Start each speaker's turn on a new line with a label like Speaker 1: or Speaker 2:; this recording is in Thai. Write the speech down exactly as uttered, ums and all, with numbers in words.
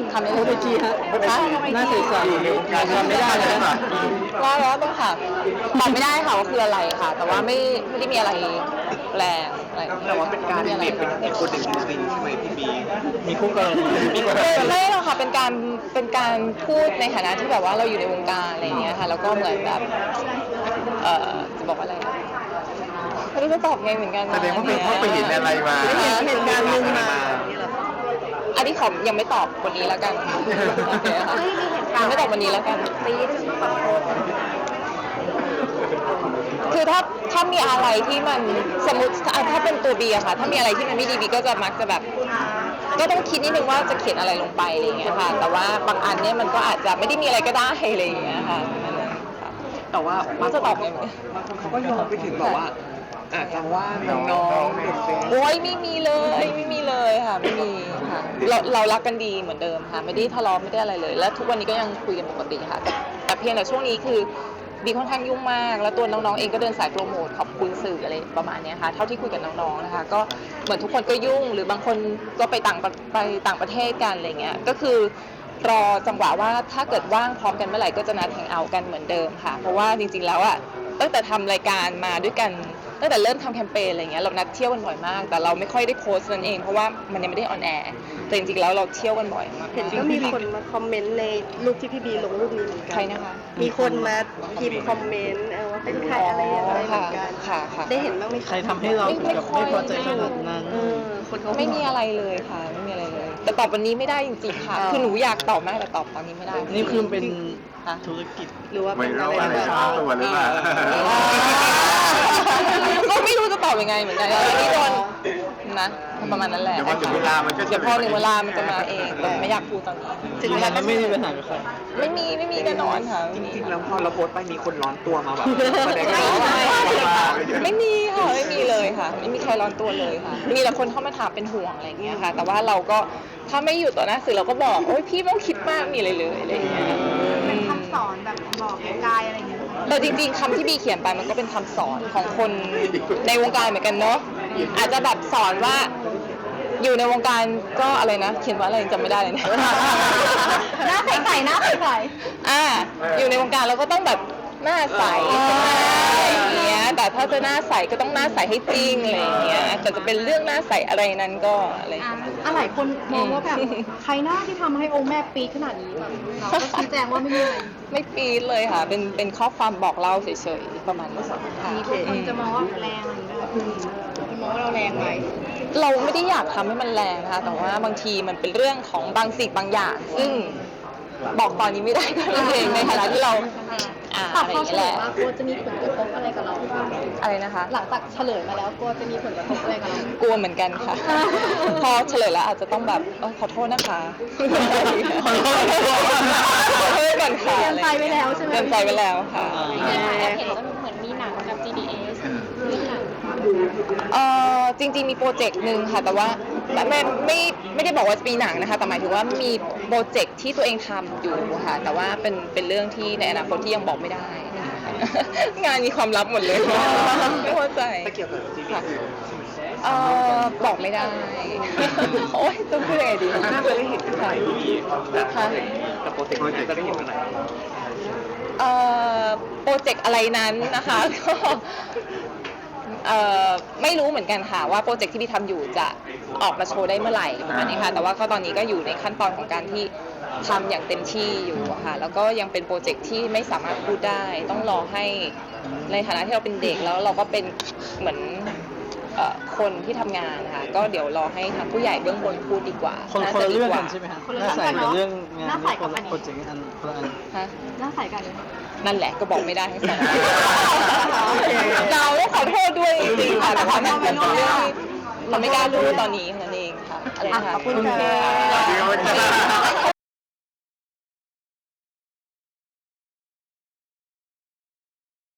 Speaker 1: ทำไม่
Speaker 2: โท
Speaker 1: ได้
Speaker 2: ษทีฮะหน้าใสๆอยู่ในวงการทำไม่ได้เลยค่ะ
Speaker 1: ว่าแล้วต้องค่ะตอบไม่ได้ค่ะว่าคืออะไรค่ะ แต่ว่าไม่ไม่ได้มีอะไรแรงอะไร
Speaker 3: แต่ว่าเป็นการ
Speaker 1: ไม่มี
Speaker 3: เด็ก
Speaker 1: อะไร
Speaker 3: อีกคนหนึ่งจริงๆใช่ไหมพี่บี
Speaker 2: มีคู่กรณีมี
Speaker 1: ไม่ไม่หรอกค่ะเป็นการเป็นการพูดในฐานะที่แบบว่าเราอยู่ในวงการอะไรอย่างเงี้ยค่ะแล้วก็เหมือนแบบเอ่อจะบอกว่าอะไรอะไม่รู้จะตอบไงเหมือนกัน
Speaker 3: แสดงว่าเป็นเพราะไปเห็นอะไรมา
Speaker 2: ไม่เห็นเหตุการณ์หนึ่งมา
Speaker 1: อันนี้ขอยังไม่ตอบวันนี้แล้วกันโอเคค่ะยังไม่ตอบวันนี้แล้วกันคือถ้าถ้ามีอะไรที่มันสมมติถ้าเป็นตัวบีอะค่ะถ้ามีอะไรที่มันไม่ดีบีก็จะมักจะแบบ ก็ต้องคิดนิดนึงว่าจะเขียนอะไรลงไปอะไรอย่างเงี้ยค่ะ แต่ว่าบางอันเนี่ยมันก็อาจจะไม่ได้มีอะไรก็ได้อะไรอย่างเงี้ยค่ะ
Speaker 3: แต่ว่า
Speaker 1: ไม่รู้จะตอบไง
Speaker 3: บางคนเขาก็โยงไปถึงแบบว่าอาจจะว่าน้องๆเด็ก
Speaker 1: โอ้ยไม่มีเลยไม่มีเลยค่ะไม่มีค่ะเราเรารักกันดีเหมือนเดิมค่ะไม่ได้ทะเลาะไม่ได้อะไรเลย และทุกวันนี้ก็ยังคุยกันปกติค่ะแต่แต่เพียงแต่ช่วงนี้คือบีค่อนข้างยุ่งมากแล้วตัวน้องๆเองก็เดินสายโปรโมทขอบคุณสื่ออะไรประมาณนี้ค่ะเท่าที่คุยกับน้องๆนะคะก็เหมือนทุกคนก็ยุ่งหรือบางคนก็ไปต่างไปต่างประเทศกันอะไรเงี้ยก็คือรอจังหวะว่าถ้าเกิดว่างพร้อมกันเมื่อไหร่ก็จะนัดแฮงเอาท์กันเหมือนเดิมค่ะเพราะว่าจริงๆแล้วอ่ะตั้งแต่ทำรายการมาด้วยกันตั้งแต่เริ่มทำแคมเปญอะไรเงี้ยเรานัดเที่ยวกันบ่อยมากแต่เราไม่ค่อยได้โพสต์นั่นเองเพราะว่ามันยังไม่ได้ออนแอร์แต่จริงๆแล้วเราเที่ยวกันบ่อยมาก
Speaker 2: เห็นก็มีคนมาคอมเมนต์ในรูปที่พี่บีลงรูปนี้เหมือนกัน
Speaker 1: ใครนะคะ
Speaker 2: มีคนมาพิมพ์คอมเมนต์เออว่าเป็นใครอะไรอะไรเหมือนกัน
Speaker 1: ค่ะค่ะ
Speaker 2: ได้เห็นบ้างไหม
Speaker 4: ใครทำให้เราถึงกับไม่พอใจขนาดนั้น
Speaker 2: เออคนเขา
Speaker 1: ไม่มีอะไรเลยค่ะไม่มีอะไรเลย แต่ตอบวันนี้ไม่ได้จริงๆค่ะคือหนูอยากตอบมากแต่ตอบตอนนี้ไม่ได้
Speaker 4: นี่คือเป็น
Speaker 1: ค่ะ
Speaker 4: ธุรกิจ
Speaker 2: หรือว่า
Speaker 3: ไม่
Speaker 2: เป็น
Speaker 3: รู้
Speaker 2: อะไร
Speaker 3: อะไร
Speaker 2: แบบ
Speaker 3: ช้าตัวหรือเปล่า
Speaker 1: ก็ไม่รู้จะตอบยังไงเหมือนกันอันนี้โดนนะประมาณนั้นแหละ
Speaker 3: เดี๋ยวพอถึงเวลามันก็จะ
Speaker 1: เดี๋ยวพอถึงเวลามันจะมาเองแต่ไม่อยากพูดตอนนี้
Speaker 4: จริงๆแล้วไม่มีปัญหากับใคร
Speaker 1: ไม่มีไม่มีแน่นอนค่ะ
Speaker 3: จริงๆแล้วพอเราโพสต์ไปมีคนร้อนตัวมาแบบแสดง
Speaker 1: ไม่
Speaker 3: ว่า
Speaker 1: ไม่ไม่มีค่ะไม่มีเลยค่ะ ไม่มีใครร้อนตัวเลยค่ะ มีแต่คนเข้ามาถามเป็นห่วงอะไรอย่างเงี้ยค่ะ แต่ว่าเราก็ถ้าไม่อยู่ต่อหน้าสื่อเราก็บอกโอ๊ยพี่ไม่ต้องคิดมากมีอะไรเลยอะไรอย่างเงี้ย
Speaker 5: เป็นคำสอนแบบบอกกายอะไรอย่างเงี้ย
Speaker 1: แต่จริงๆคำที่บีเขียนไปมันก็เป็นคำสอนของคนในวงการเหมือนกันเนาะอาจจะแบบสอนว่าอยู่ในวงการก็อะไรนะเขียนว่าอะไรจำไม่ได้เลยเนี่ย
Speaker 5: หน้าใสๆหน้าใส
Speaker 1: อ่าอยู่ในวงการเราก็ต้องแบบหน้าใสอะไรอย่างเงี้ยแต่ถ้าจะหน้าใสก็ต้องหน้าใสให้จริงอะไรอย่างเงี้ยแต่จะเป็นเรื่องหน้าใสอะไรนั้นก็อะไรอย่าง
Speaker 5: อ่ะ
Speaker 1: เงี้ย
Speaker 5: อะหลายคนมองว่าแบบใครหน้าที่ทำให้องค์แม่ปีดขนาดนี้แบบเราก็ชี้แจงว่าไม่มีอะไร
Speaker 1: ไม่ปี๊ดเลยค่ะ เป็นเป็นข้อความบอกเล่าเฉยๆประมาณนี้ค่ะ
Speaker 5: มีคนจะมองว่าแรงอะไรอย่างเงี้ยจะมองว่าเราแรงไหม
Speaker 1: เราไม่ได้อยากทำให้มันแรงนะคะแต่ว่าบางทีมันเป็นเรื่องของบางสิ่งบางอย่าง ซึ่งบอกตอนนี้ไม่ได้ก็นั่นเองในฐานะที่เราอ่า
Speaker 5: ตั
Speaker 1: อะ
Speaker 5: ด
Speaker 1: ไรอ
Speaker 5: ข้อย่าง เฉ
Speaker 1: เงี้ย
Speaker 5: ล
Speaker 1: แห
Speaker 5: ย
Speaker 1: ละ
Speaker 5: ว่ากลัวจะมีผลกระทบอะไรกับเรา
Speaker 1: อะไรนะคะ
Speaker 5: หลังจากเฉลยมาแล้วกลัวจะมีผลกระทบอะไรกับเรา
Speaker 1: กลัวเหมือนกันค่ะ พอเฉลยแล้วอาจจะต้องแบบเออขอโทษนะคะ
Speaker 4: ขอโทษ
Speaker 1: ขอโทษกันค่ะ
Speaker 5: เตรียมใจไว้แล้วใช่ไหม
Speaker 1: เตรียมใจไว้แล้วค่ะ
Speaker 5: แอบเห็นว่าเหมือนมีหนังกับ จี ดี เอส เรื่องหนัง
Speaker 1: เอ่อจริงๆมีโปรเจกต์หนึ่งค่ะแต่ว่าไม่ไม่ไม่ไม่ได้บอกว่าจะปีหนังนะคะแต่หมายถึงว่ามีโปรเจกต์ที่ตัวเองทำอยู่ค่ะแต่ว่าเป็นเป็นเรื่องที่ในอนาคตที่ยังบอกไม่ได้นะคะงานมีความลับหมดเลยไม่เข้าใจ
Speaker 3: แต่เกี่ยวกับซีรีส์
Speaker 1: เอ่อบอกไม่ได้ โอ๊ยต้องพูดยังไงดี
Speaker 3: น่าจะได้เห็นกันไหนพี่บี
Speaker 1: ค่ะ
Speaker 3: แต่โปรเจกต์นี้จะได้เห็นกันไหน
Speaker 1: เอ่อโปรเจกต์อะไรนั้นนะคะ ก็เอ่อไม่รู้เหมือนกันค่ะว่าโปรเจกต์ที่พี่ทำอยู่จะออกมาโชว์ได้เมื่อไหร่ประมาณนี้ค่ะแต่ว่าก็ตอนนี้ก็อยู่ในขั้นตอนของการที่ทำอย่างเต็มที่อยู่อะค่ะแล้วก็ยังเป็นโปรเจกต์ที่ไม่สามารถพูดได้ต้องรอให้ในฐานะที่เราเป็นเด็กแล้วเราก็เป็นเหมือนเอ่อคนที่ทำงานนะคะก็เดี๋ยวรอให้ทางผู้ใหญ่เบื้องบนพูดดีกว่า
Speaker 4: คนคนละเรื่องกันใช่ไหมฮะหน้าใสกับเรื่องงานนี่คนละโปรเจกต์อันคนละอัน
Speaker 1: ฮะ
Speaker 5: หน้าใสกันเลย
Speaker 1: นั่นแหละก็บอกไม่ได้ทั้งสองเราต้องขอโทษด้วยจริงๆค่ะแต่ว่ามันเป็นเรื่องที่เราไม่กล้าพูดตอนนี้นั่นเองค่ะอะไรนะคะ
Speaker 2: ขอบคุณค่ะ
Speaker 1: ขอบคุณค่ะ